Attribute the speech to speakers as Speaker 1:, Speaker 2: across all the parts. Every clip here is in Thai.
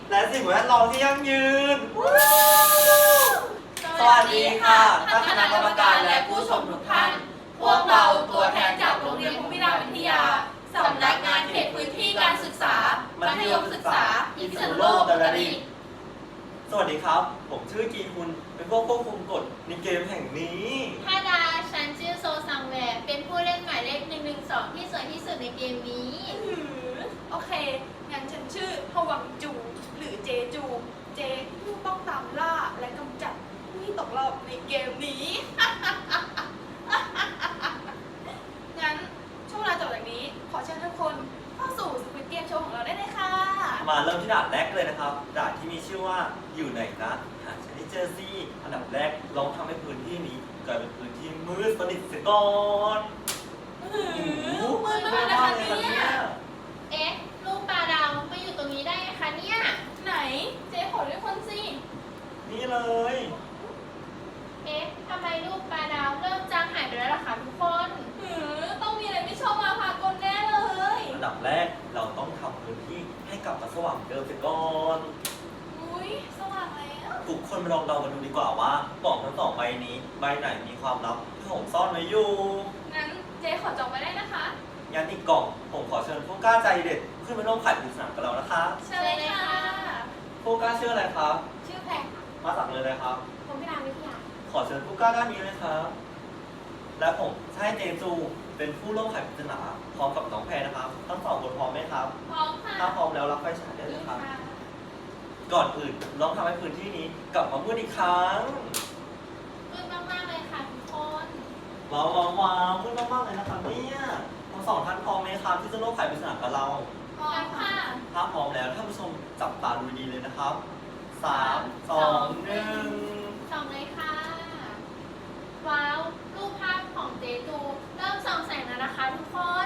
Speaker 1: และสิ่งแวดล้อมที่ยั่งยืน
Speaker 2: สวัสดีค่ะท่านคณะกรรมการและผู้ชมทุกท่าน พวกเราตัวแทนจากโรงเรียนภูมิราชวิทยาสำนักงานเขตพื้นที่การศึกษามัธยมศึกษาพิษณุโลกอุตรดิตถ์
Speaker 1: สวัสดีครับผมชื่อกีคุณเป็นผู้ควบคุมกฎในเกมแห่งนี้
Speaker 2: ท่าดาฉันชื่อโซซังแวร์เป็นผู้เล่นหมายเลข112ที่สวยที่สุดในเกมนี้
Speaker 3: โอเคงั้นฉันชื่อฮวังจูหรือเจจูเจผู้ต้องตามล่าและกำจัดผู้ที่ตกรอบในเกมนี้ งั้นช่วงเวลาจบจากนี้ขอเชิญทุกคนเข้าสู่สควิดเกมโชว์ของเราได้เลยค่ะ
Speaker 1: มาเริ่มที่ด่านแรกเลยนะครับด่านที่มีชื่อว่าอยู่ไหนนะหาฉันให้เจอสิอันดับแรกลองทำให้พื้นที่นี้กลายเป็นพื้นที่มืดสนิทเสียก่อน
Speaker 3: มืดมากเลยค่ะเนี่ย
Speaker 2: เอ๊ะลูกปลาดาวมาอยู่ตรงนี้ได้ไงคะเนี่ย
Speaker 3: ไหนเจ๊ขอด้วยคนสิ
Speaker 1: นี่เลย
Speaker 2: เอ๊ะทำไมลูกปลาดาวเริ่มจางหายไปแล้วล่ะคะทุกคน
Speaker 3: ต้องมีอะไรไม่ชอบมาพากลแน่เลย
Speaker 1: อันดับแรกเราต้องทำพื้นที่ให้กลับมาสว่างเดิมเสียก่อน
Speaker 3: อุ้ยสว่างแล้ว
Speaker 1: ทุกคนมาลองเดากันดูดีกว่าว่ากล่องทั้งสองใบนี้ใบไหนมีความลับที่ผมซ่อนไว้อยู่
Speaker 3: งั้นเจ๊ขอจองไว้ได้นะคะ
Speaker 1: งั้นอีกกล่องผมขอเชิญผู้กล้าใจเด็ดขึ้นมาร่วมไขปริศนากับเรานะคะ
Speaker 3: เชิญเลยค่ะ
Speaker 1: ผู้กล้าชื่ออะไรครับ
Speaker 2: ชื่อแพร
Speaker 1: มาจากเลยครับ
Speaker 2: ผมพิรามวิทยา
Speaker 1: ขอเชิญผู้กล้าด้านนี้เลยครับและผมใช่เจจูเป็นผู้ร่วมไขปริศนาพร้อมกับน้องแพรนะครับทั้งสองคนพร้อมไหมครับ
Speaker 3: พร้อมค่ะ
Speaker 1: ถ้าพร้อมแล้วรับไฟฉายได้เลยครับก่อนอื่นลองทำให้พื้นที่นี้กลับมามืดอีกครั้ง
Speaker 2: มืดมากๆเลยค่ะทุกคน
Speaker 1: ว้าวมืดมากๆเลยนะครับเนี่ยทั้งสองท่านพร้อมไหมครับที่จะร่วมไขปริศนากับเรา
Speaker 3: พร้อมค่ะ
Speaker 1: ถ้าพร้อมแล้วท่านผู้ชมจับตาดูดีเลยนะครับ3 2 1
Speaker 2: ส่องเลยค่ะว้าวรูปภาพของเจจูเริ่มส่องแสงแล้วนะคะทุกคน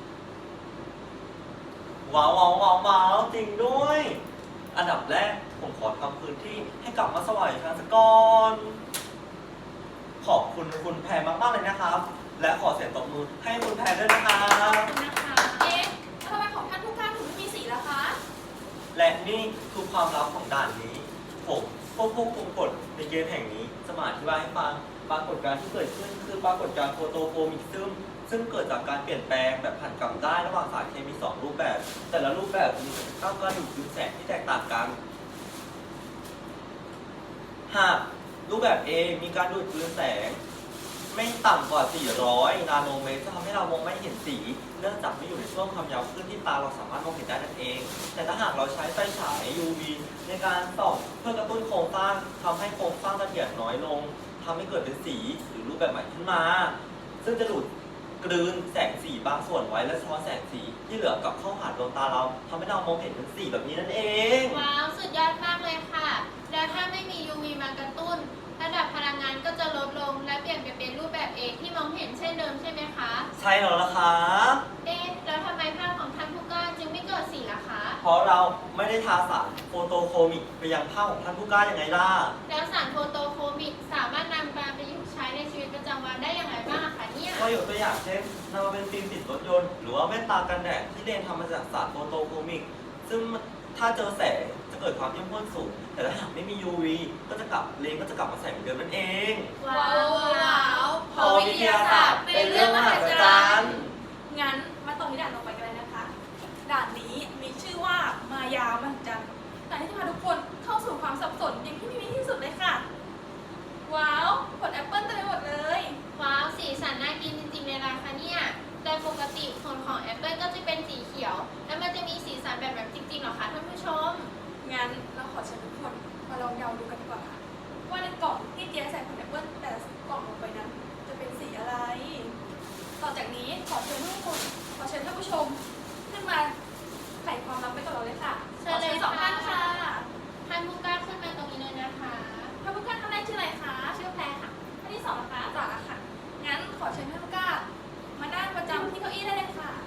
Speaker 1: ว้าวจริงด้วยอันดับแรกผมขอทำพื้นที่ให้กลับมาสว่างอีกครั้งสักก่อนขอบคุณคุณแพรมากๆเลยนะครับและขอเสียงตบมือให้คุณแพรด้วยนะครับ
Speaker 3: ขอบคุณนะคะเอ๊ะทำไมของท่านผู้กล้าถึงไม่มีสีล่ะคะ
Speaker 1: และนี่คือความลับของด่านนี้ผมควบคุมกฎในเกมแห่งนี้จะมาอธิบายให้ฟังปรากฏการณ์ที่เกิดขึ้นคือปรากฏการณ์โฟโตโฟมิกซึมซึ่งเกิดจากการเปลี่ยนแปลงแบบผันกลับได้ระหว่างสารเคมี2รูปแบบแต่ละรูปแบบมีสภาพการดูดซึมแสงที่แตกต่างกันหากรูปแบบ A มีการดูดซึมแสงไม่ต่ำกว่า400นาโนเมตรจะทำให้เรามองไม่เห็นสีเนื่องจากไม่อยู่ในช่วงความยาวคลื่นที่ตาเราสามารถมองเห็นได้นั่นเองแต่ถ้าหากเราใช้ไฟฉาย UV ในการส่องเพื่อกระตุ้นโครงสร้างทำให้โครงสร้างละเอียดน้อยลงทำให้เกิดเป็นสีหรือรูปแบบใหม่ขึ้นมาซึ่งจะดูดกลืนแสงสีบางส่วนไว้และสะท้อนแสงสีที่เหลือกลับเข้าหาดวงตาเราทำให้เรามองเห็นเป็นสีแบบนี้นั่นเอง
Speaker 2: ว้าวสุดยอดมากเลยค่ะแล้วถ้าไม่มี UV มากระตุ้นระดับพลังงานก็จะลดลงและเปลี่ยนไปเป็นรูปแบบเองที่มองเห็นเช่นเดิมใช่ไหมคะ
Speaker 1: ใช่แล้วล่ะครับ
Speaker 2: แล้วทำไมภาพของท่านผู้กล้าจึงไม่เกิดสีล่ะคะ
Speaker 1: เพราะเราไม่ได้ทาสารโฟโตโคมิกไปยังภาพของท่านผู้กล้ายังไงล่ะ
Speaker 2: แล้วสารโฟโตโคมิกสามารถนำมาประยุกต์ใช้ในชีวิตประจำวันได้อย่างไรบ้างคะเนี่ย
Speaker 1: ก็ยกตัวอย่างเช่นนำมาเป็นฟิล์มติดรถยนต์หรือว่าแว่นตากันแดดที่เลนทำมาจากสารโฟโตโคมิกซึ่งถ้าเจอแสงจะเกิดความเข้มข้นสูงแต่ถ้าหากไม่มี UV เลนก็จะกลับมาแสงเหมือนเดิมนั่นเอง
Speaker 3: ว้าว
Speaker 1: พอวิทยาศาสตร์เป็นเรื่องมหัศจรรย์
Speaker 3: งั้นมาต่อที่ด่านต่อไปกันเลยนะคะด่านนี้มีชื่อว่ามายามันจันแต่ที่จะพาทุกคนเข้าสู่ความสับสนอย่างที่มีที่สุดเลยค่ะว้าวผลแอปเปิ้ลเต็มไปหมดเลย
Speaker 2: ว้าวสีสันน่ากินจริงๆเลยนะคะเนี่ยแต่ปกติผลของแอปเปิ้ลก็จะเป็นสีเขียวแล้วมันจะมีสีสันแบบจริงๆหรอคะท่านผู้ชม
Speaker 3: งั้นเราขอเชิญทุกคนมาลองเดาดูกันดีกว่าค่ะว่าในกล่องที่เจ๊ใส่ผลแอปเปิ้ลแต่กล่องลงไปนั้นจะเป็นสีอะไรต่อจากนี้ขอเชิญท่านผู้ชมขึ้นมาไขความลับไปกับเราเลยค่ะ
Speaker 2: เชิญเลย
Speaker 3: สองท่านค่ะ
Speaker 2: ท่านผู้กล้าขึ้นมาตรงนี้เลยนะคะ
Speaker 3: ท่านผู้กล้าท่านแรกชื่ออะไรคะ
Speaker 2: ชื่อแพรค่ะ
Speaker 3: ท่านที่2นะคะจ๋าค่ะงั้นขอเชิญท่านผู้กล้ามานั่งประจำที่เก้าอี้ได้เลยค่ะ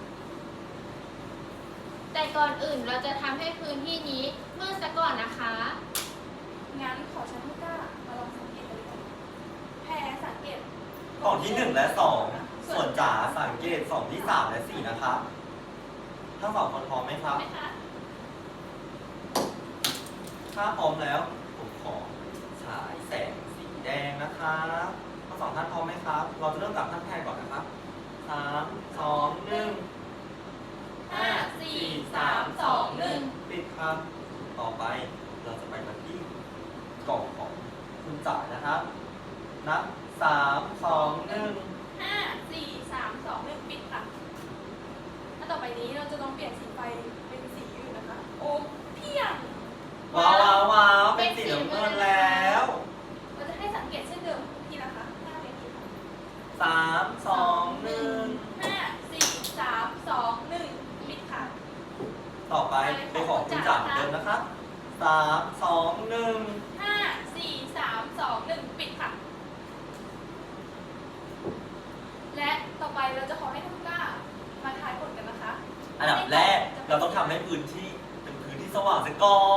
Speaker 2: แต่ก่อนอื่นเราจะทำให้พื้นที่นี้มืดซะก่อนนะคะ
Speaker 3: งั้นขอเชิญท่านผู้กล้ามาลองสังเกตกันเลยแพรสังเกต
Speaker 1: กล่องที่1และ2ส่วนจ๋าสังเกต2ที่3และ4นะครับทั้ง2คนพร้อมไหมครับถ้าพร้อมแล้วผมขอฉายแสงสีแดงนะครับทั้งสองท่านพร้อมไหมครับ เราจะเริ่มจากท่านแทนก่อนนะครับ3 2 1
Speaker 2: 5 4 3 2 1
Speaker 1: ปิดครับ ต่อไปเราจะไปกันที่กล่องของคุณจ๋านะครับ นับ3 2 1
Speaker 3: 5 4 3 2 1ปิดค่ะถ้าต่อไปนี้เราจะลองเปลี่ยนสีไฟเป็นสีอื่นนะคะ โอ้เพียง
Speaker 1: ว้าวว้าวว้าวเป็นสีน้ำเงินแล้ว
Speaker 3: เราจะให้สังเกตเช่นเดิมทีนะคะหน้าเวทีค่ะ
Speaker 1: 3 2 1
Speaker 3: 5 4 3 2 1ปิดค่ะ
Speaker 1: ต่อไปเป็นของคุณจ๋าเหมือนเดิมนะครับ3 2 1
Speaker 3: 5 4 3 2 1ปิดค่ะ และต่อไปเราจะขอให้ทุกท่านมาทายผลกันนะคะ
Speaker 1: อันดับแรกเราต้องทำให้พื้นที่เป็นพื้นที่สว่างเสียก่อน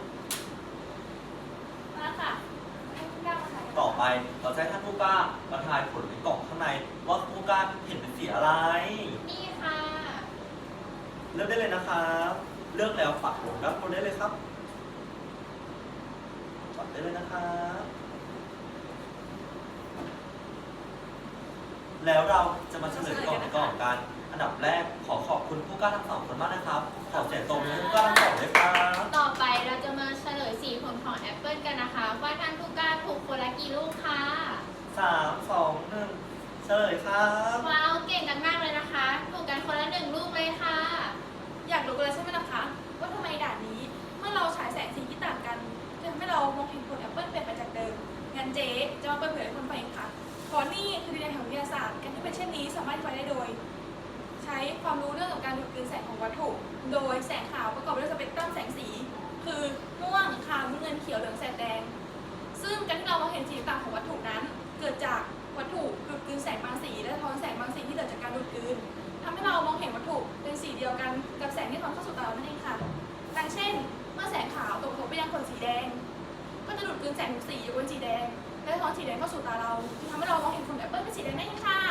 Speaker 3: มาค่ะให้ทุกท่านมาทายกัน
Speaker 1: ต่อไปเราจะให้ท่านผู้กล้ามาทายผลในกล่องข้างในว่าผู้กล้าเห็นเป็นสีอะไร
Speaker 2: นี่ค่ะ
Speaker 1: เลือกได้เลยนะครับเลือกแล้วปักลงด้านบนได้เลยครับปักได้เลยนะครับแล้วเราจะมาเฉลยกล่องในกล่องกัน อันดับแรกขอขอบคุณผู้กล้าทั้งสองคนมากนะครับ ขอเสียงตรงนี้ให้ผู้กล้าทั้งสองด้วยครับ
Speaker 2: ต่อไปเราจะมาเฉลยสีผลของแอปเปิลกันนะคะ ว่าท่านผู้กล้าถูกคนละกี่ลูกค่ะ
Speaker 1: 3 2 1เฉลยครับ
Speaker 2: ว้าวเก่งกันมากเลยนะคะ ถูกกันคนละ1ลูกเลยค่ะ
Speaker 3: อยากรู้กันแล้วใช่ไหมนะคะ ว่าทำไมด่านนี้เมื่อเราฉายแสงสีที่ต่างกันจะทำให้เรามองเห็นผลแอปเปิลเปลี่ยนไปจากเดิมงั้นเจ๊จะมาเปิดเผยให้คนฟังเองค่ะเพราะนี่คือดินแดนแห่งวิทยาศาสตร์การที่เป็นเช่นนี้สามารถอธิบายได้โดย ใช้ความรู้เรื่องของการดูดกลืนแสงของวัตถุ โดยแสงขาวประกอบด้วยสเปกตรัมแสงสี คือม่วงขาวน้ำเงินเขียวเหลืองแสดแดง ซึ่งการที่เรามองเห็นสีต่างของวัตถุนั้น เกิดจากวัตถุดูดกลืนแสงบางสีและสะท้อนแสงบางสีที่เกิดจากการดูดกลืนทำให้เรามองเห็นวัตถุเป็นสีเดียวกันกับแสงที่สะท้อนเข้าสู่ตาเรานั่นเองค่ะดังเช่น เมื่อแสงขาวตกกระทบไปยังขนสีแดง ก็จะดูดกลืนแสงทุกสียกเว้นสีแดงและสะท้อนสีแดงเข้าสู่ตาเราจึงทำให้เรามองเห็นผลแอปเปิลเป็นสีแดงนั่นเองค่ะ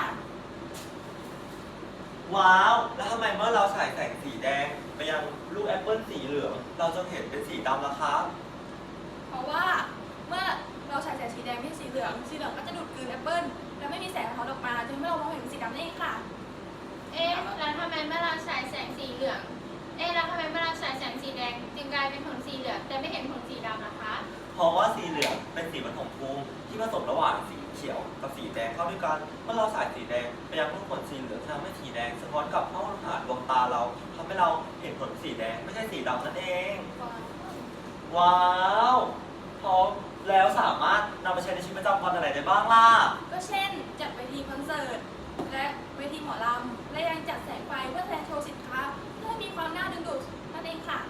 Speaker 1: ว้าว แล้วทำไมเมื่อเราฉายแสงสีแดงไปยังลูกแอปเปิลสีเหลือง เราจะเห็นเป็นสีดำล่ะครับ
Speaker 3: เพราะว่าเมื่อเราฉายแสงสีแดงไม่ใช่สีเหลืองก็จะดูดกลืนแอปเปิลและไม่มีแสงสะท้อนออกมาจึงทำให้เรามองเห็นเป็นสีดำนั่นเองค่ะ
Speaker 2: เอ๊ะแล้วทำไมเมื่อเราฉายแสงสีเหลือง เอ๊ะแล้วทำไมเมื่อเราฉายแสงสีแดงจึงกลายเป็นผลสีเหลืองแต่ไม่เห็นผลสีดำล่ะคะ
Speaker 1: เพราะว่าสีเหลืองเป็นสีปฐมภูมิที่ผสมระหว่างสีเขียวกับสีแดงเข้าด้วยกัน เมื่อเราฉายสีแดงไปยังลูกผลสีเหลืองทำให้สีแดงสะท้อนกลับเข้าหาดวงตาเราทำให้เราเห็นผลสีแดงไม่ใช่สีดำนั่นเอง ว้าวพร้อมแล้วสามารถนำไปใช้ในชีวิตประจำวันอะไรได้บ้างล่ะ
Speaker 3: ก็เช่นจัดเวทีคอนเสิร์ตและเวทีหมอลำและยังจัดแสงไฟเพื่อแสดงโชว์สินค้าเพื่อให้มีความน่าดึงดูดนั่นเองค่ะ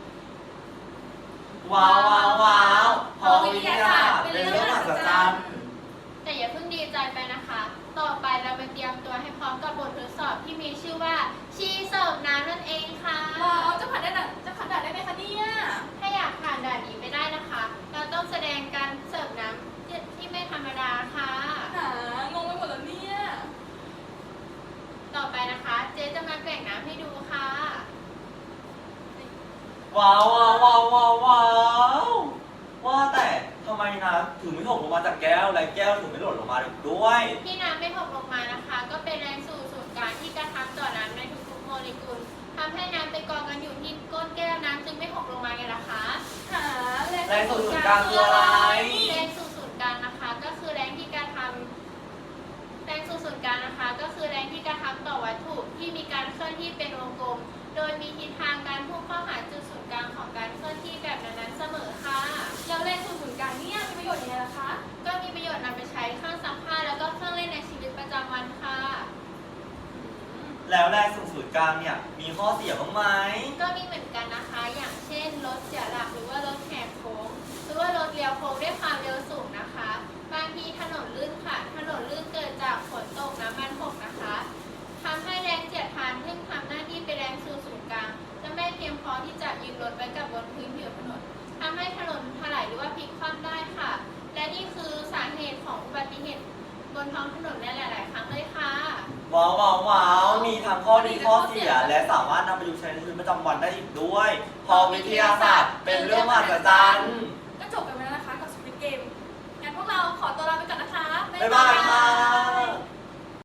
Speaker 1: ว้าวว้าวว้าวเพราะวิทยาศาสตร์เป็นเรื่องมหัศจรรย์
Speaker 2: แต่อย่าเพิ่งดีใจไปนะคะ ต่อไปเราไปเตรียมตัวให้พร้อมกับบททดสอบที่มีชื่อว่าชีเสิร์ฟน้ำนั่นเองค่ะ
Speaker 3: ว้าวจะผ่านด่านได้ไหมคะเนี่ย
Speaker 2: ถ้าอยากผ่านด่านนี้ไม่ได้นะคะ เราต้องแสดงการเสิร์ฟน้ำที่ไม่ธรรมดาค่ะ
Speaker 3: งงไปหมดแล้วเนี่ย
Speaker 2: ต่อไปนะคะ เจ๊จะมาแกว่งน้ำให้ดูค่ะ
Speaker 1: ว้าวว้าวว้าวว้าวว้าวว่าแต่ทำไมน้ำถึงไม่หกลงมาจากแก้วและแก้วถึงไม่หล่นลงมาด้วย
Speaker 2: ที่น้ำไม่หกลงมานะคะ ก็เป็นแรงสู่ศูนย์กลางที่กระทำต่อน้ำในทุกๆโมเลกุลทำให้น้ำไปกองกันอยู่ที่ก้นแก้วน้ำจึงไม่หกลงมาไงล่ะคะ
Speaker 1: แรงสูงสุดกลางคืออะไร
Speaker 2: แรงสู่ศูนย์กลางนะคะ ก็คือแรงที่กระทำแรงสู่ศูนย์กลางนะคะ ก็คือแรงที่กระทำต่อวัตถุที่มีการเคลื่อนที่เป็นวงกลม โดยมีทิศทางการพุ่งเข้าหาจุดศูนย์กลางของการเคลื่อนที่แบบนั้นๆเสมอค่ะ
Speaker 3: แล้วแรงสูงสุดกลางเนี่ยมีประโยชน์ยังไงล่ะคะ
Speaker 2: ก็มีประโยชน์นำไปใช้เครื่องซักผ้าแล้วก็เครื่องเล่นในชีวิตประจำวันค่ะ
Speaker 1: แล้วแรงสูงสุดกลางเนี่ยมีข้อเสียบ้างไหม
Speaker 2: ก็มีเหมือนกันนะคะ อย่างเช่นรถเสียหลักหรือว่ารถแหกโค้งหรือว่ารถเลี้ยวโค้งด้วยความเร็วสูงนะคะ บางทีถนนลื่นค่ะ ถนนลื่นเกิดจากฝนตกน้ำมันหกนะคะทำให้แรงเสียดทานซึ่งทำหน้าที่เป็นแรงสู่ศูนย์กลางจะไม่เพียงพอที่จะยึดรถไว้กับบนพื้นผิวถนนทำให้ถนนถลายหรือว่าพลิกคว่ำได้ค่ะ และนี่คือสาเหตุของอุบัติเหตุบนท้องถนนในหลาย ๆ ครั้งเลยค่ะ
Speaker 1: ว้าวว้าวว้าวมีทั้งข้อดีข้อเสียและสามารถนำไปใช้ในชีวิตประจำวันได้อีกด้วยเพราะวิทยาศาสตร์เป็นเรื่องมหัศจรรย์บ๊ายบายค่ะ